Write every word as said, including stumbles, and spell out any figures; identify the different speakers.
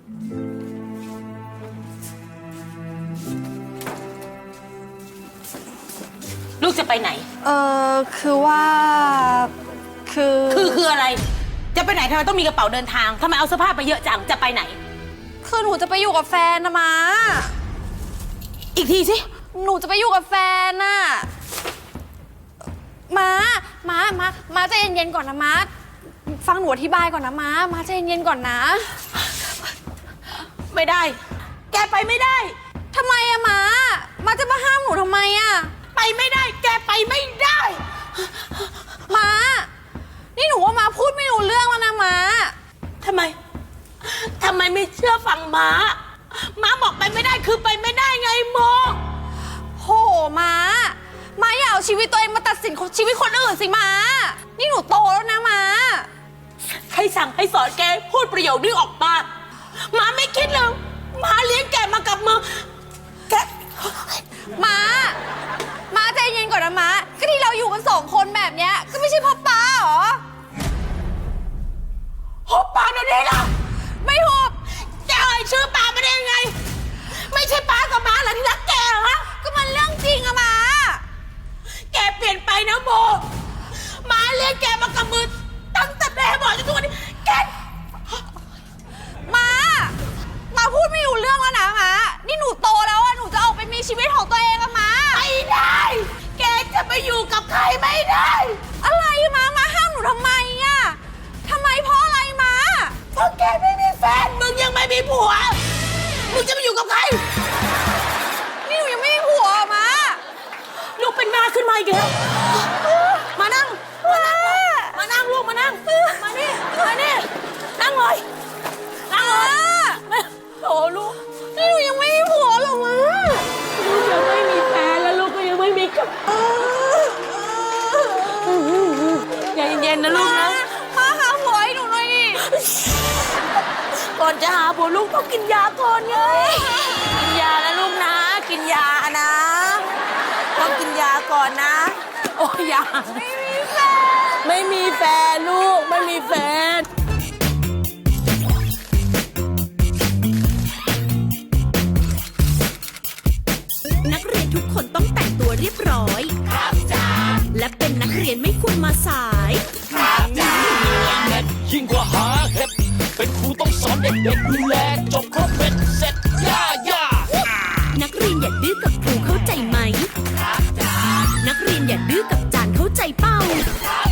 Speaker 1: ลูกจะไปไหน
Speaker 2: เออคือว่าคือ
Speaker 1: คือคืออะไรจะไปไหนทำไมต้องมีกระเป๋าเดินทางทำไมเอาเสื้อผ้าไปเยอะจังจะไปไหน
Speaker 2: คือหนูจะไปอยู่กับแฟนนะม้า
Speaker 1: อีกทีสิ
Speaker 2: หนูจะไปอยู่กับแฟนน่ะม้าม้าม้าม้าใจเย็นๆก่อนนะม้าฟังหนูอธิบายก่อนนะม้าม้าใจเย็นๆก่อนนะ
Speaker 1: ไม่ได้แกไปไม่ได้
Speaker 2: ทำไมอะม้าม้าจะมาห้ามหนูทำไมอะ
Speaker 1: ไปไม่ได้แกไปไม่ได้
Speaker 2: ม้านี่หนูว่าม้าพูดไม่รู้เรื่องแล้วนะม้า
Speaker 1: ทำไมทำไมไม่เชื่อฟังม้าม้าบอกไปไม่ได้คือไปไม่ได้ไงโม
Speaker 2: โหม้าม้าอย่าเอาชีวิตตัวเองมาตัดสินชีวิตคนอื่นสิม้านี่หนูโตแล้วนะม้า
Speaker 1: ใครสั่งให้สอนแกพูดประโยคนี้ออกมาม้าไม่คิดเลยม้าเลี้ยงแกมากับมือแก
Speaker 2: ม้าม้าใจเย็นก่อนนะม้าก็ที่เราอยู่กันสองคนแบบเนี้ยก็ไม่ใช่พ่อป้าหรอ
Speaker 1: หุบปากเดี๋ยวนี้ล่ะ
Speaker 2: ไม่หุบ
Speaker 1: แกเอ่ยชื่อป้ามาได้ยังไงไม่ใช่ป้ากับม้าเหรอที่รักแกฮะ
Speaker 2: ก็มันเรื่องจริงอะม้า
Speaker 1: แกเปลี่ยนไปนะโมม้าเลี้ยงแกมากับมือตั้งแต่แม่บอกจนทุกวันนี้แก
Speaker 2: ม้าม้าพูดไม่รู้เรื่องแล้วนะม้านี่หนูโตแล้วอะหนูจะออกไปมีชีวิตของตัวเองอะม้า
Speaker 1: ไม่ได้แกจะไปอยู่กับใครไม่ได้
Speaker 2: อะไรม้าม้าห้ามหนูทำไมอะทำไมเพราะอะไรม้า
Speaker 1: เพราะแกไม่มีแฟนมึงยังไม่มีผัวมึงจะไปอยู่กับใคร
Speaker 2: นี่หนูยังไม่มีผัวม้า
Speaker 1: ลูกเป็นมาขึ้นมาอีกแล้วมานั่งมานั่งมานั่งลูกมานั่งมานี่มานี่นั่งเลยนั่งเลยโอ้ลูก
Speaker 2: นี่หนูยังไม่มีผัวหรอม้า
Speaker 1: ลูกยังไม่มีแฟนแล้วลูกก็ยังไม่มีกับใจเย็นๆนะลูกนะ
Speaker 2: มาหาผัวให้หนูหน่อยดิ
Speaker 1: ก่อนจะหาผัวลูกต้องกินยาก่อนไงกินยาแล้วลูกนะกินยานะต้องกินยาก่อนนะโอ้ยา
Speaker 2: ไม่มีแฟน
Speaker 1: ไม่มีแฟนลูกไม่มีแฟน
Speaker 3: นักเรียนทุกคนต้องแต่งตัวเรียบร้อยครับจ้าและเป็นนักเรียนไม่ควรมาสายครับจ้า
Speaker 4: ยิ่งกว่าหาเห็ดเป็นครูต้องสอนเด็กๆดูแลจบครบเป็นเสร็จย่าย่า
Speaker 3: นักเรียนอย่าดื้อกับครูเข้าใจไหมครับจ้านักเรียนอย่าดื้อกับจานเข้าใจเป้า